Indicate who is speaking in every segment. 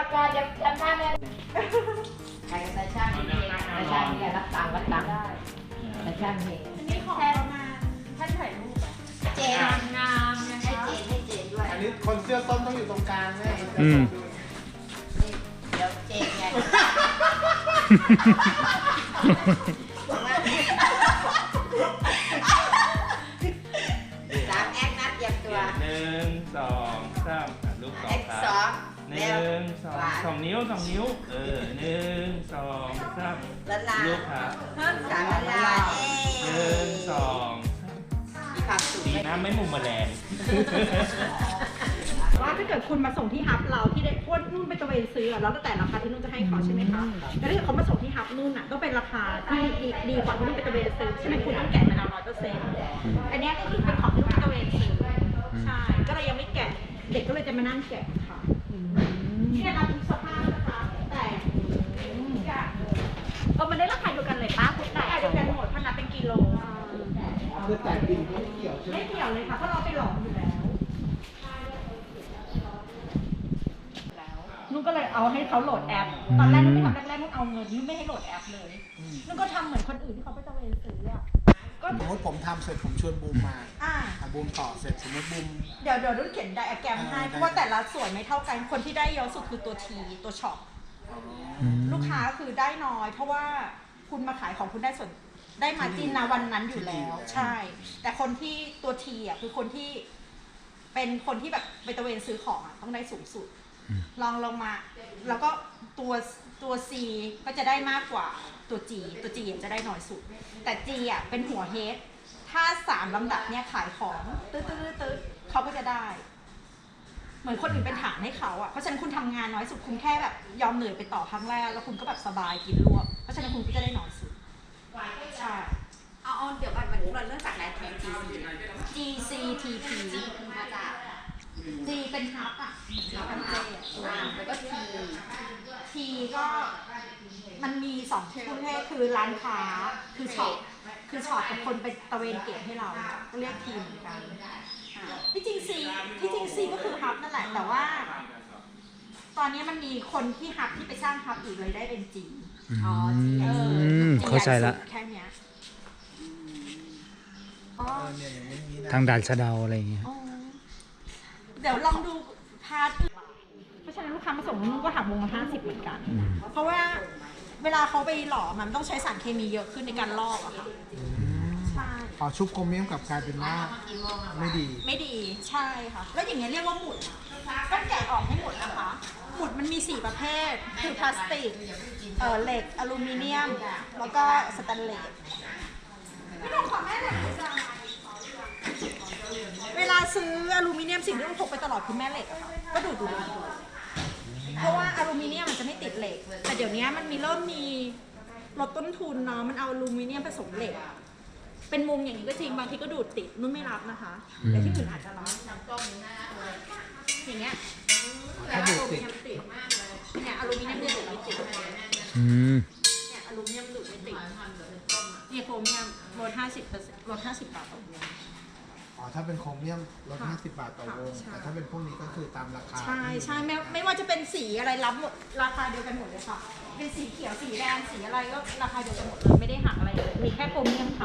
Speaker 1: ก่อนจะทำหน้าเลยใครกับตาช่างนี่ตาช่างนี่รับตังค์ตาช่างนี่
Speaker 2: อันนี้ของประมาณท่านถ่ายรูปอะ
Speaker 1: เจน
Speaker 2: งามนะ
Speaker 1: ให้
Speaker 2: คะ
Speaker 1: เจนด้วย
Speaker 3: อันนี้คนเสื้อส้มต้องอยู่ตรงกลางแน่
Speaker 1: เดี๋ยวเจนไงสามแอคนัดเตรียมตัว
Speaker 4: 1 2 3ลูกต่อ
Speaker 1: แอค
Speaker 4: ค
Speaker 1: ส
Speaker 4: รั
Speaker 1: อบ ง
Speaker 4: 1 2 2 นิ้ว1 2 3
Speaker 1: ละลา
Speaker 4: ลูกครับ
Speaker 1: สามละลาเอ๊
Speaker 4: 1 2
Speaker 1: มีความสุข
Speaker 4: ดีนะไม่มุมแมลง
Speaker 2: ว่าถ้าเกิดคุณมาส่งที่ฮับเราที่ได้พวกนุ่นไปตะเวนซื้อแล้วแต่ราคาที่นุ่นจะให้เขาใช่ไหมคะแต่ถ้าเกิดเขามาส่งที่ฮับนุ่นอ่ะต้องเป็นราคาที่ดีกว่าที่นุ่นไปตะเวนซื้อใช่ไหมคุณต้องแกะมาแล้ว100%อันนี้ก็คือเป็นของที่นุ่นไปตะเวนซื้อใช่ก็เลยยังไม่แกะเด็กก็เลยจะมานั่งแกะค่ะที่ได้รับทุกสภาพนะคะแต่มันได้ราคาเดียวกันเลยป้าคุณแต่เดียวกันหมดเพราะนับเป็นกิโล
Speaker 3: คือแต่บินไม่เกี่ยวใช่ไหม
Speaker 2: ไม่เกี่ยวเลยค่ะเพราะเราไปหลอมอยู่แล้วนุ่นก็เลยเอาให้เขาโหลดแอปตอนแรกนุ่นไม่ทำแรกๆนุ่นเอาเงินนุ่นไม่ให้โหลดแอปเลยนุ่นก็ทำเหมือนคนอื่นที่เขาไปตะเวนซื้ออะก็
Speaker 3: สมมติผมทำเสร็จผมชวนบูมมา
Speaker 2: อ่า
Speaker 3: บูมต่อเสร็จสมมติบูม
Speaker 2: เดี๋ยวนุ่นเขียนไดอะแกรมให้เพราะว่าแต่ละส่วนไม่เท่ากันคนที่ได้เยอะสุดคือตัวทีตัวช็อปลูกค้าคือได้น้อย เพราะว่าคุณมาขายของคุณได้ส่วนได้มาจินนะวันนั้นอยู่แล้ว ใช่ แต่คนที่ตัวทีอ่ะคือคนที่เป็นคนที่แบบไปตะเวนซื้อของอ่ะต้องได้สูงสุดลองมา แล้วก็ตัว C ก็จะได้มากกว่าตัว G ตัว G จะได้น้อยสุด แต่ G อ่ะเป็นหัวเฮดถ้า3ลำดับเนี่ยขายของตื้อเขาก็จะได้ เหมือนคนอื่นเป็นฐานให้เขาอ่ะเพราะฉะนั้นคุณทำงานน้อยสุดคุณแค่แบบยอมเหนื่อยไปต่อครั้งแรกแล้วคุณก็แบบสบายกินรวบเพราะฉะนั้นคุณก็จะได้น้อยสุดใช่
Speaker 1: เอาเดี๋ยวก่อนมันเรื่องจากไหนถึง
Speaker 2: GCTP
Speaker 1: มาจาก
Speaker 2: G เป็นฮับอ่ะ
Speaker 1: แล้วก็ที
Speaker 2: T ก็มันมี2ประเภทคือร้านค้าคือช็อปกับคนไปตะเวนเก็บให้เราก็เรียกทีเหมือนกันที่จริง C ก็คือฮับนั่นแหละแต่ว่า ตอนนี้มันมีคนที่ฮับที่ไปสร้างฮับอีกเลยได้เป็น G
Speaker 1: อ๋อ
Speaker 5: เข้าใจละ
Speaker 2: แค่เนี้ย
Speaker 3: เนี่ยอย่างนี้นะ
Speaker 5: ทางด่านสะเดาอะไรอย่างเงี้ย
Speaker 2: อ๋อเดี๋ยวลองดูพาร์ทเพราะฉะนั้นลูกค้ามาส่งนุ่นก็หักวงละ50เหมือนกัน เพราะว่าเวลาเขาไปหล่อมันต้องใช้สารเคมีเยอะขึ้นในการลอกอะค่ะใช่
Speaker 3: พอชุบโครเมียมกลับกลายเป็นว่าไม่ดี
Speaker 2: ไม่ดีใช่ค่ะแล้วอย่างเงี้ยเรียกว่าหมุดต้องแกะออกให้หมดนะคะ หมุดมันมี4ประเภทคือพลาสติกเหล็กอลูมิเนียมแล้วก็สแตนเลสพี่น้องขอแม่เหล็กเวลาซื้ออลูมิเนียมสิ่งที่ต้องพกไปตลอดคือแม่เหล็กอะค่ะก็ดูเพราะว่าอลูมิเนียมมันจะไม่ติดเหล็กแต่เดี๋ยวนี้มันเริ่มมีลดต้นทุนเนาะมันเอาอลูมิเนียมผสมเหล็กเป็นมุมอย่างนี้ก็จริงบางทีก็ดูดติดนุ่นไม่รับนะคะแต่ที่อื่นอาจจะรับอย่างเงี้ย
Speaker 3: ถ้าดูดติด
Speaker 2: เนี่ยอลูมิเนียมจะดูดไม่ติด
Speaker 5: อืม
Speaker 2: เนี่ยอลูมิเนียมดูดไม่ติดเนี่ยโครเมียมลด50%ลด50 บาทต่อวง
Speaker 3: อ๋อถ้าเป็นโครเมียมลด50 บาทต่อวง
Speaker 2: ใช่
Speaker 3: แต่ถ้าเป็นพวกนี้ก็คือตามราคา
Speaker 2: ใช่ไม่ว่าจะเป็นสีอะไรรับหมดราคาเดียวกันหมดเลยค่ะเป็นสีเขียวสีแดงสีอะไรก็ราคาเดียวกันหมดเลยไม่ได้หักอะไรเลยมีแค่โครเมียมค่ะ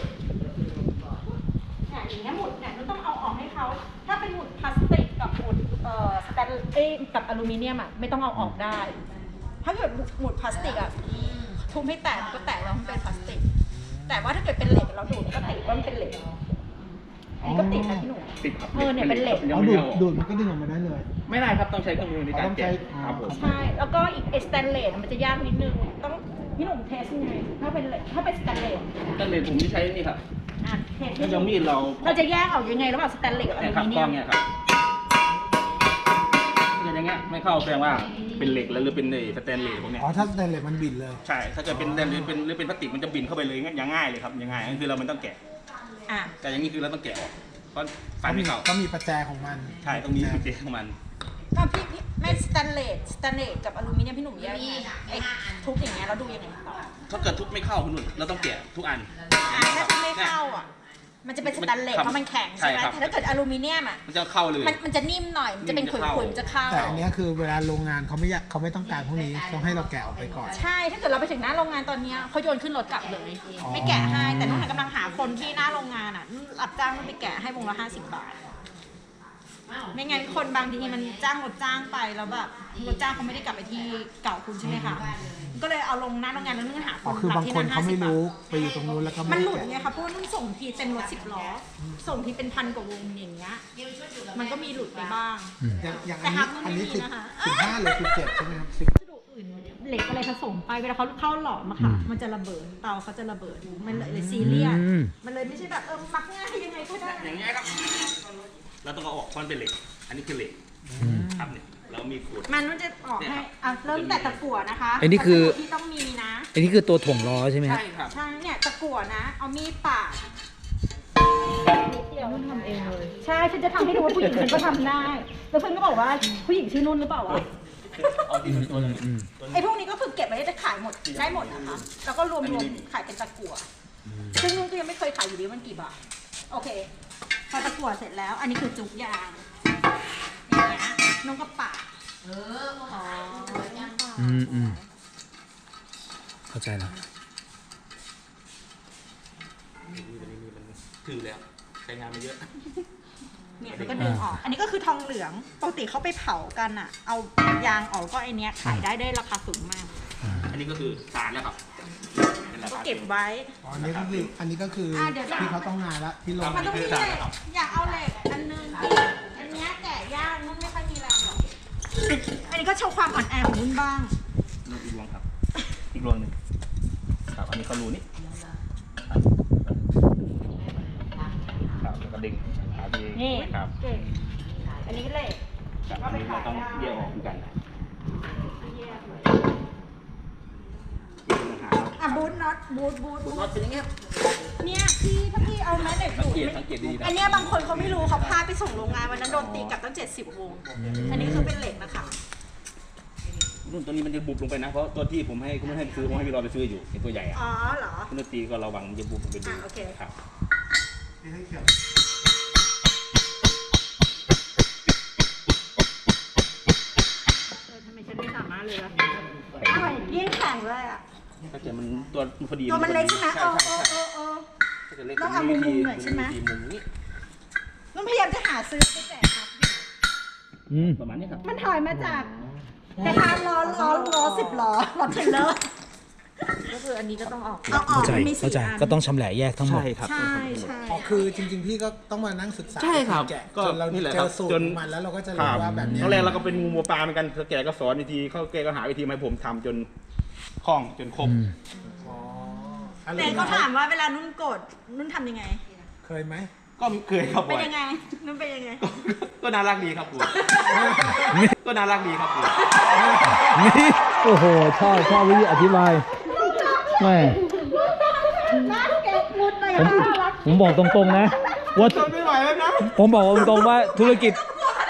Speaker 2: เนี่ยอย่างเงี้ยหมุดเนี่ยเราต้องเอาออกให้เขาถ้าเป็นหมุดพลาสติกกับหมุดสแตนเลสกับอลูมิเนียมอ่ะไม่ต้องเอาออกได้ ถ้าเกิดหมุดพลาสติกอ่ะทุบให้แตกมันก็แตกแล้วมันเป็นพลาสติก แต่ว่าถ้าเกิดเป็นเหล็กเราดูดก็ติดว่ามันเป็นเหล็กอันนี้ก็ติดนะพี่หนุ่ม
Speaker 4: ติดครับ
Speaker 2: เนี่ยเป็นเหล็ก
Speaker 3: เอาดูดมันก็ดึงออกมาได้เลย
Speaker 4: ไม่ได้ครับต้องใช้เครื่องมือในการแกะครับผม
Speaker 2: ใช่แล้วก็อีกสแตนเลสมันจะยากนิดนึงต้องพี่หนุ่มเทสยังไงถ้าเป็นเหล็กถ้าเป็นสแตนเลส
Speaker 4: ตั้งแต่ผมที่ใช้นี่ครับ
Speaker 2: เทส
Speaker 4: ก็จะมีดเรา
Speaker 2: เราจะแยกออกยังไงระหว่างสแตนเลสกับอ
Speaker 4: เนี่ย
Speaker 2: ลู
Speaker 4: ครับ
Speaker 2: มิเนี
Speaker 4: กล้
Speaker 2: ย
Speaker 4: อง
Speaker 2: ม
Speaker 4: เนี่ยครับอย่างเงี้ยไม่เข้าแสดงว่าเป็นเหล็กแล้วหรือเป็นสแตนเลสพวกเนี้ย
Speaker 3: อ๋อถ้าสแตนเลสมันบินเลย
Speaker 4: ใช่ถ้าเกิดเป็นหรือเป็นพลาสติกมันจะบินเข้าไปเลยอย่างง่ายเลยครับอย่างง่ายก็คือเรามันต้องแกะ
Speaker 2: อ่ะ
Speaker 4: แต่อย่างนี้คือเราต้องแกะออกเพราะฟันไม่เข้า
Speaker 3: ก็มีประแจของมัน
Speaker 4: ใช่ตรงนี้คือเจของมัน
Speaker 2: ก็พี่ไม่สแตนเลสกับอลูมิเนียมพี่หนุ่มแยกยังไงไอ้ทุกอย่างเงี้ยเราดูยังไงต่อ
Speaker 4: ถ้าเกิดทุบไม่เข้าคุณนุ่นเราต้องแกะทุกอัน
Speaker 2: ถ้าทุกไม่เข้าอ่ะมันจะเป็นสแตนเลสเพราะมันแข็งใช่ไหม
Speaker 4: ใช่ครับ
Speaker 2: แต่ถ้าเกิดอลูมิเนียมอ่ะ
Speaker 4: มันจะเข้าเลย
Speaker 2: มันจะนิ่มหน่อยมันจะเป็นขุยๆมันจะเข้า
Speaker 3: แต่อันเนี้ยคือเวลาโรงงานเขาไม่ต้องการพวกนี้ต้องให้เราแกะออกไปก่อน
Speaker 2: ใช่ถ้าเกิดเราไปถึงหน้าโรงงานตอนเนี้ยเขาโยนขึ้นรถกลับเลย ไม่แกะให้แต่น้องหากำลังหาคนที่หน้าโรงงานอ่ะรับจ้างมันไปแกะให้วงละ50 บาท ไม่งั้นคนบางทีมันจ้างรถจ้างไปแล้วแบบรถจ้างเขาไม่ได้กลับไปที่เก่าคุณใช่ไหมคะก็เลยเอาลงหน้าโรงงานแล้วนุ่นหาค
Speaker 3: อ๋อน คือบางคนเขาไม่
Speaker 2: 50
Speaker 3: รู้ไปอยู่ตรงนู้นแล้วก็
Speaker 2: มั
Speaker 3: ไม่
Speaker 2: นห
Speaker 3: ได้
Speaker 2: ลุด
Speaker 3: แกะ
Speaker 2: ไงคะเพราะว่านุ่นส่งทีเต็มรถ10 ล้อ ส่งทีเป็นพันกว่าวงอย่างเงี้ยมันก็มีหลุดไปบ้าง
Speaker 3: อย่าง
Speaker 2: แต่ฮับมัน
Speaker 3: อัน
Speaker 2: ไม่
Speaker 3: นี้
Speaker 2: มีนะคะ
Speaker 3: 15หรือ17ใช่ไหมครับ
Speaker 2: วัสดุอื่นเหล็กอะไรผสมไปเวลาเขาเข้าหลอมอะค่ะ มันจะระเบิดเตาเขาจะระเบิดมันเลยซีเรียส
Speaker 5: อืม
Speaker 2: มันเลยไม่ใช่แบบมักง่ายยังไงก็ได้
Speaker 4: อย่างเงี้ยครับเราต้องเอาออกเพราะมันเป็นเหล็ก อันนี้คือเหล็กครับเนี่ยเรามีขวด
Speaker 2: มันจะออกให้เริ่มแต่ตะกั่วนะคะ
Speaker 5: อันนี้คือ
Speaker 2: วัสดุที่ต้องมีนะ
Speaker 5: อันนี้คือตัวถ่วงล้อใช่ไหมครับ
Speaker 4: ใช่ครับ
Speaker 2: ใช่เนี่ยตะกั่วนะ เอามีดปาดนุ่นทำเองเลยใช่ฉันจะทำให้ดูว่าผู้หญิงฉันก็ทำได้แล้วเพื่อนก็บอกว่าผู้หญิงชื่อนุ่นหรือเปล่าวะ
Speaker 4: เอาดีตัวหนึง
Speaker 2: ไอ้พวกนี้ก็คือเก็บไว้จะขายหมดได้หมดนะคะแล้วก็รวมขายเป็นตะกั่วซึ่งนุ่นก็ยังไม่เคยขายอยู่ดีมันกี่บาทโอเคพอตะกั่วเสร็จแล้ว อันนี้คือจุกยางอย่างเงี้ยนุ่นก็ปาดอ๋อ
Speaker 5: เข้าใจแล้ว
Speaker 4: ถือแล้วใช้งานมาเยอะ
Speaker 2: เนี่ยแล้วก็ดึงออก อันนี้ก็คือทองเหลืองปกติเขาไปเผากันอ่ะ เอายางออกก็ไอเนี้ยขายได้ราคาสูงมาก
Speaker 4: อันนี้ก็คือสารแล้วครับเป็นรา
Speaker 2: ก็
Speaker 4: คา
Speaker 2: เก็บไว้
Speaker 3: อ๋ออันนี้ก็คือ
Speaker 2: เดี๋ยว
Speaker 3: ที่เขาต้องงานละที่ลง
Speaker 2: มันต้องมีเหล็กอยากเอาเหล็กอันนึงที่อันเนี้ยแกะยากนุ่นไม่ค่อยมีแรงหรอกอันนี้ก็โชว์ความอ่อนแอของนุ่นบ้าง
Speaker 4: อีกรวงครับ อีกรวงหนึ่งครับ อันนี้เขารูนี่ครับแล้วก็ดึงหาดี
Speaker 2: นี่
Speaker 4: ครับ
Speaker 2: เก่งอันนี้ก็เหล็ก
Speaker 4: ครับอันนี้เราต้องแยกออกเหมือนกัน
Speaker 2: อ่ะบูทน็อตบูท
Speaker 4: น็อตเป็นอย่างเงี้ย
Speaker 2: เนี่ยพี่ถ้าพี่เอาแม่เหล็ก
Speaker 4: สัง
Speaker 2: ดูด
Speaker 4: เกต
Speaker 2: ไม่
Speaker 4: สังเกตดีนะ
Speaker 2: อันเนี้ยบางคนเขาไม่รู้เขาพาไปส่งโรงงานวันนั้นโดนตีกลับตั้ง70 วง อันนี้คือเป็นเหล็กนะคะ
Speaker 4: รุ่นตัวนี้มันจะบุบลงไปนะ เพราะตัวที่ผมให้คุณไม่ให้ซื้อผมให้พี่รอไปซื้ออยู่ไอ้ตัวใหญ่อะ
Speaker 2: อ๋อเหรอ
Speaker 4: คุณตีก็ระวังมันจะบุบลงไปดู
Speaker 2: โอเค
Speaker 4: ครับ
Speaker 2: ทำไมฉันไม่สามารถเลยล่ะอร่อยยิ่งแข็งเลยอ่ะ
Speaker 4: ถ้าเกิดมันตัวมันพอดี
Speaker 2: ตัวมันเล็กใช่ไหม
Speaker 4: ใช่ใช่ใช่ ถ้าเกิดเล็ก
Speaker 2: ต้องเอามุมๆหน่อยใช่ไหม
Speaker 4: มุมนี้
Speaker 2: นุ่นพยายามจะหาซื้อไปแจกครับ
Speaker 4: ประมาณนี้ครับ
Speaker 2: มันถอยมาจากแต่ทานล้อ10 ล้อรถเทรลเลอร์ก็คืออันนี้ก็ต้องออกเอาออก
Speaker 5: เข้าใจ
Speaker 2: มันมี
Speaker 5: เข้า
Speaker 2: 4
Speaker 5: ใจ
Speaker 2: อัน
Speaker 5: ก็ต้องชำแหละแยกทั้งหมด
Speaker 4: ใช่ครับ
Speaker 2: ใช่ใช่
Speaker 3: อ๋อคือจริงๆพี่ก็ต้องมานั่งศึกษา
Speaker 4: ใช่ครับ
Speaker 3: แกะ
Speaker 4: ก็
Speaker 3: จนเรา
Speaker 4: นี่แหละ
Speaker 3: เจ
Speaker 4: ครั
Speaker 3: อบ สูตร
Speaker 4: จน
Speaker 3: ของมันแล้วเราก็จะ
Speaker 4: ค
Speaker 3: รู้
Speaker 4: รับ
Speaker 3: ว่าแบบเนี้ย
Speaker 4: ตอนแรกเราก็เป็นงูวัวปลาเหมือนกันแกก็สอนวิธีเขาแกก็หาวิธีมาให้ผมทำจนคล่องจนคม
Speaker 3: อ๋ออะไร
Speaker 2: แต่ก็ถามว่าเวลานุ่นโกรธนุ่นทำยังไง
Speaker 3: เคยไหม
Speaker 4: ก็เคยครับ
Speaker 2: เป็
Speaker 4: บ่
Speaker 2: น
Speaker 4: อย
Speaker 2: ยังไงนุ่นเป็นยังไง
Speaker 4: ก็น่ารักดีครับครูก็น่ารักดีครับครู
Speaker 5: นี่โอ้โหชอบวิธีอธิบายแม่
Speaker 2: น่าเก็บมุดเลย
Speaker 5: ผม
Speaker 2: น่ารัก
Speaker 5: ผมบอกตรงๆนะว่า
Speaker 4: ทนไม่ไหวแล้วนะ
Speaker 5: ผมบอกตรงๆว่าธุรกิจ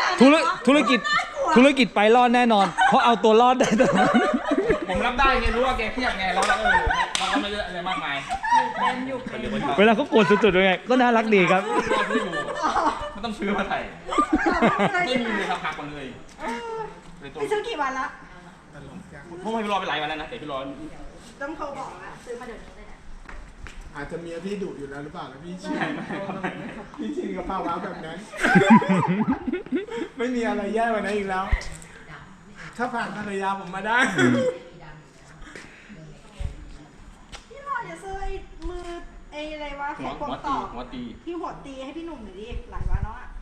Speaker 5: ไปรอดแน่นอน เพราะเอาตัวรอดได้ตลอด
Speaker 4: ผมรับได้ไงรู้ว่าแกเครียดไงเราก็ไม่ได้อะไรมากมาย
Speaker 5: เวลาเขาโกรธสุดๆยังไงก็น่ารักดีครับ
Speaker 4: ซื้ออยู่ไม่ต้องซื้อมาไทยไม่มีเลยครับหักหมดเลย
Speaker 2: ไปซื้อกี่วันละ
Speaker 4: ผมให้พี่รอไปหลายวันแล้วนะแต่พี่รอ
Speaker 2: ต้องโทรบอกละซื้อมาเดี๋ยวนี้เลยนะ
Speaker 3: อาจจะเมียพี่ดุอยู่แล้วหรือเปล่าแล้วพี่ชิน
Speaker 4: ไม่ครับ
Speaker 3: พี่ชินกับภาวะแบบนั้น ไม่มีอะไรแย่กว่านั้นอีกแล้ว ถ้าผ่านภรรยาผมมาได้
Speaker 2: พี่หน่อยอย่าซื้อไอ้มือไอ้อะไรวะ
Speaker 4: หั
Speaker 2: ไข่
Speaker 4: ว
Speaker 2: ควง
Speaker 4: ตี
Speaker 2: ตอก
Speaker 4: หัวตี
Speaker 2: ที่หัวตีให้พี่หนุ่มหน่อยดิหลายวันแล้วอ่ะ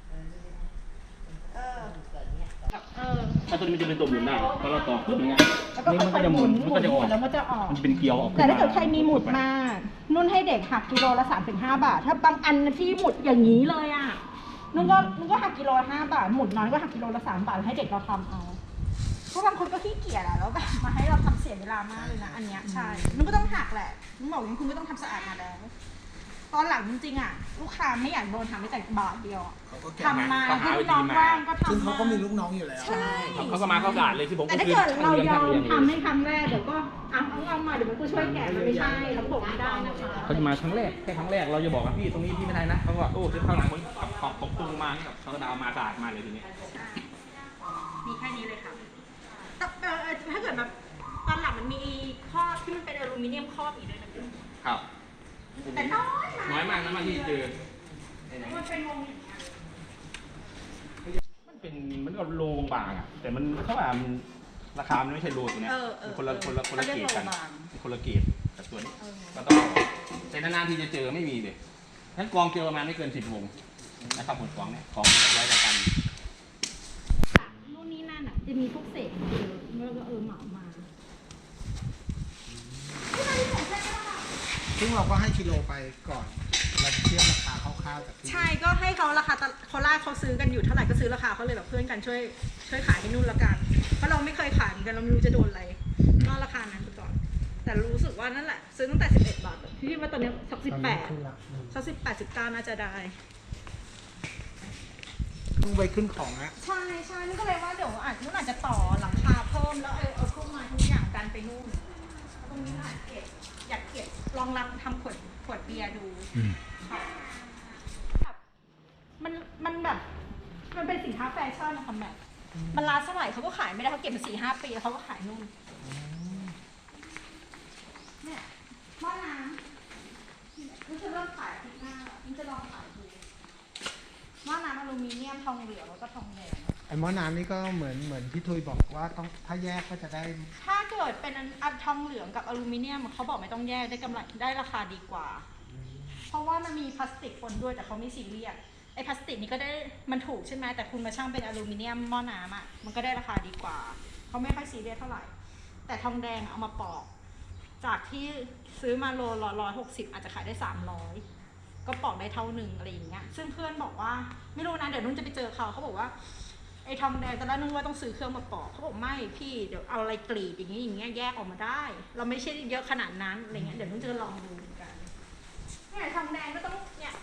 Speaker 4: ถ้าตัวนี้มันจะเป็นตัวหมุนได้พอเราต่อปุ๊บอย่างเงี้ย
Speaker 2: แล้วก็
Speaker 4: นี่มัน
Speaker 2: ค่
Speaker 4: ก็
Speaker 2: อย
Speaker 4: จะ
Speaker 2: ๆ
Speaker 4: ห
Speaker 2: ห
Speaker 4: มุ
Speaker 2: มุ
Speaker 4: น
Speaker 2: น
Speaker 4: มันก็จะออก
Speaker 2: แล้วมันจะออก
Speaker 4: มันจะเป็นเกลียวออก
Speaker 2: แต่ถ้าเกิดใครมีหมุดมา นุ่นให้เด็กหักกิโลละ3-5 บาท ถ้าบางอันที่หมุดอย่างนี้เลยอ่ะ นุ่นก็หักกิโลละ5 บาท หมุดน้อยก็หักกิโลละ3 บาทให้เด็กเราทำเอา เพราะบางคนก็ขี้เกียจอะแล้วแบบมาให้เราทำเสียเวลามากเลยนะ อันเนี้ยใช่ นุ่นก็ต้องหักแหละ นุ่นบอกว่าคุณก็ต้องทำสะอาดมาแล้วตอนหลังจริงๆอ่ะลูกค้าไม่อยากโดนทำไม่แต่บาทเดียวอะ
Speaker 3: เขาก็แก้
Speaker 2: ทำมา
Speaker 4: เขาหา
Speaker 2: ให้
Speaker 4: วิธี
Speaker 2: น้อง
Speaker 4: มา
Speaker 2: ว่างก็ทำ
Speaker 3: ซึ่งเขาก็มี
Speaker 2: มา
Speaker 3: ลูกน้องอยู่แล้ว
Speaker 2: ใช่
Speaker 4: เขาก็มาเข้าสะอาดเลยที่ผม
Speaker 2: แต่
Speaker 4: ก็
Speaker 2: ถ้า
Speaker 4: คือ
Speaker 2: เกิดเรายอม
Speaker 4: ช่าง
Speaker 2: ทำให้ครั้งแรกเดี๋ยวก็เอามาเดี๋ยวมันก็ช่วยแกะมันไม่ใช่เราบอกไม่ได้นะคะ
Speaker 4: เขาจะมาครั้งแรกแค่ครั้งแรกเราจะบอกว่าพี่ตรงนี้พี่ไม่ได้นะเขาก็โอ้จะเข้าหลังคนขับขอบตุ้งมาเขาก็เอามาสะอาดมาเลยทีนี้
Speaker 2: มีแค่นี้เลยค่ะแต่ถ้าเกิดแบบตอนหลังมันมีครอบที่มันเป็นอลูมิเนียมครอบอีกด้วยนะพี่
Speaker 4: ครับ
Speaker 2: แต่น้อย
Speaker 4: น้อยมากนะมาที่เจอ
Speaker 2: มันเป็นวงอย่างเงี้ย
Speaker 4: มันก็โลบางอ่ะแต่มันเท่าไหร่มันราคามันไม่ใช่โลตัวเนี้ยคนละเกรดกันคนละเกรดกับตัวนี้ก็ต้องแต่นานๆที่จะเจอไม่มีเลยงั้นกองเจอประมาณไม่เกิน10 วงนะครับผลกองเนี่ยของร้อยกัน
Speaker 2: นู่นนี่นั่นอ่ะจะมีพวกเศษเยอะแล้วก็เหมามา
Speaker 3: ซึ่งเราก็ให้กิโลไปก่อนเราเทียบราคาคร่าวๆจากที่
Speaker 2: ใช่ก็ให้เขาราคาเขาล่าเขาซื้อกันอยู่เท่าไหร่ก็ซื้อราคาเขาเลยแบบเพื่อนกันช่วยขายให้นู่นละกันเพราะเราไม่เคยขายเหมือนกันเราไม่รู้จะโดนอะไรนอกราคานั้นไปก่อนแต่รู้สึกว่านั่นแหละซื้อตั้งแต่11 บาทพี่คิดว่าตอนนี้สัก18สัก18 19น่าจะได้
Speaker 3: ต้องไปขึ้นของนะ
Speaker 2: ใช่นี่ก็เลยว่าเดี๋ยวนู่นอาจจะต่อหลังคาเพิ่มแล้วเอาพวกมาทุกอย่างดันไปนู่นตรงนี้อยากเก็บลองรับทำขวดเบียร์ดูค่ะมันแบบมันเป็นสินค้าแฟชั่นนะคะแบบมันล้าสมัยเขาก็ขายไม่ได้เขาเก็บมา4-5 ปีแล้วเขาก็ขายนู่นเนี่ยหม้อน้ำมันจะเริ่มขายอาทิตย์หน้ามันจะลองขายดูหม้อน้ำอลูมิเนียมทองเหลืองแล้วก็ทองแดง
Speaker 3: ไอ้หม้อน้ำนี่ก็เหมือนพี่ทุยบอกว่าต้องถ้าแยกก็จะได้
Speaker 2: ถ้าเกิดเป็นอันทองเหลืองกับอลูมิเนียมเขาบอกไม่ต้องแยกได้กำไรได้ราคาดีกว่า เพราะว่ามันมีพลาสติกปนด้วยแต่เขาไม่ซีเรียสไอ้พลาสติกนี่ก็ได้มันถูกใช่ไหมแต่คุณมาช่างเป็นอลูมิเนียมหม้อน้ำอ่ะมันก็ได้ราคาดีกว่าเขาไม่ค่อยซีเรียสเท่าไหร่แต่ทองแดงเอามาปอกจากที่ซื้อมาโลละ160อาจจะขายได้300ก็ปอกได้เท่าหนึ่งอะไรอย่างเงี้ยซึ่งเพื่อนบอกว่าไม่รู้นะเดี๋ยวนุ่นจะไปเจอเขาบอกว่าไอ้ทองแดงตอนแรกนึกว่าต้องซื้อเครื่องมาปอกเขาบอกไม่พี่เดี๋ยวเอาอะไรกรีดอย่างเงี้ยแยกออกมาได้ เราไม่ใช่เยอะขนาดนั้นอะไรเงี้ยเดี๋ยวนุ่นจะลองดูเหมือนกันเนี่ยทองแดงก็ต้องเนี่ย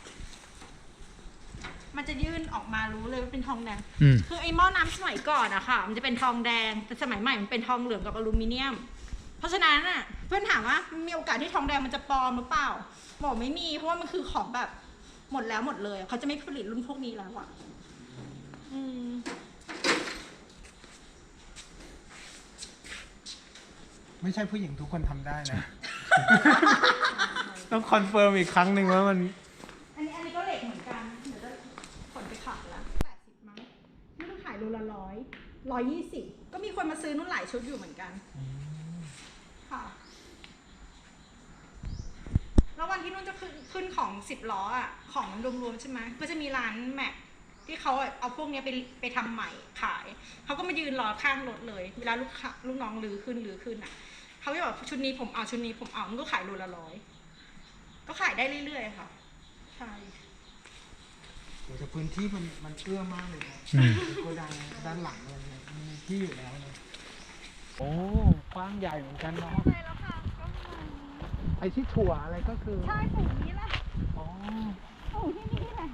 Speaker 2: มันจะยื่นออกมารู้เลยว่าเป็นทองแดงคือไอ้หม้อน้ำสมัยก่อนอะค่ะมันจะเป็นทองแดงแต่สมัยใหม่มันเป็นทองเหลืองกับอลูมิเนียมเพราะฉะนั้นอะเพื่อนถามว่ามีโอกาสที่ทองแดงมันจะปลอมหรือเปล่าบอกไม่มีเพราะว่ามันคือของแบบหมดแล้วหมดเลยเขาจะไม่ผลิตรุ่นพวกนี้แล้วอะ
Speaker 3: ไม่ใช่ผู้หญิงทุกคนทำได้นะ ต้องคอนเฟิร์มอีกครั้งหนึ่งว่ามัน
Speaker 2: อันนี้ก็เหล็กเหมือนกันเดี๋ยวจะขนไปขายละ80มั้งนี่ต้องขายโลละ120ก็มีคนมาซื้อนุ่นหลายชุดอยู่เหมือนกันค่ะแล้ววันที่นุ่นจะขึ้นของ10 ล้ออ่ะของรวมๆใช่ไหมก็จะมีร้านแม็กที่เขาเอาพวกนี้ไปทำใหม่ขายเขาก็มายืนรอข้างรถเลยเวลาลูกน้องลื้อขึ้นอ่ะเขาจะบอกชุดนี้ผมเอาชุดนี้ผมเอามันก็ขายโลละ100ก็ขายได้เรื่อยๆค่ะใช่
Speaker 3: แต่พื้นที่มันเอื้อมากเลยนะโกดังด้านหลังเลยเนี่ยมันมีที่อยู่แล้วนะ โอ้กว้างใหญ่เหมือนกันเนาะ
Speaker 2: ใช่แล้วค่ะก็
Speaker 3: ไอ้ที่ถั่วอะไรก็คือ
Speaker 2: ใช่ปลูกนี้แหละ
Speaker 3: อ๋อ
Speaker 2: ปลูกที่นี่แหละ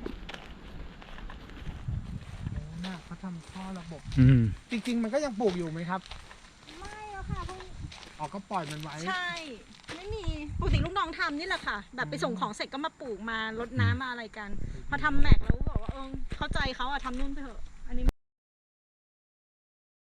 Speaker 3: น่าเขาทำท่อระบบ
Speaker 5: อืม
Speaker 3: จริงๆ มันก็ยังปลูกอยู่ไหมครับ
Speaker 2: ไม่แล้วค่ะพวก
Speaker 3: อ๋อก็ปล่อยมันไว้
Speaker 2: ใช่ไม่มีปกติลูกน้องทำนี่แหละค่ะ แบบไปส่งของเสร็จก็มาปลูกมารดน้ำมาอะไรกัน พอทำแม็กแล้วบอกว่าเข้าใจเขาอะทำนู่นไปเถอะ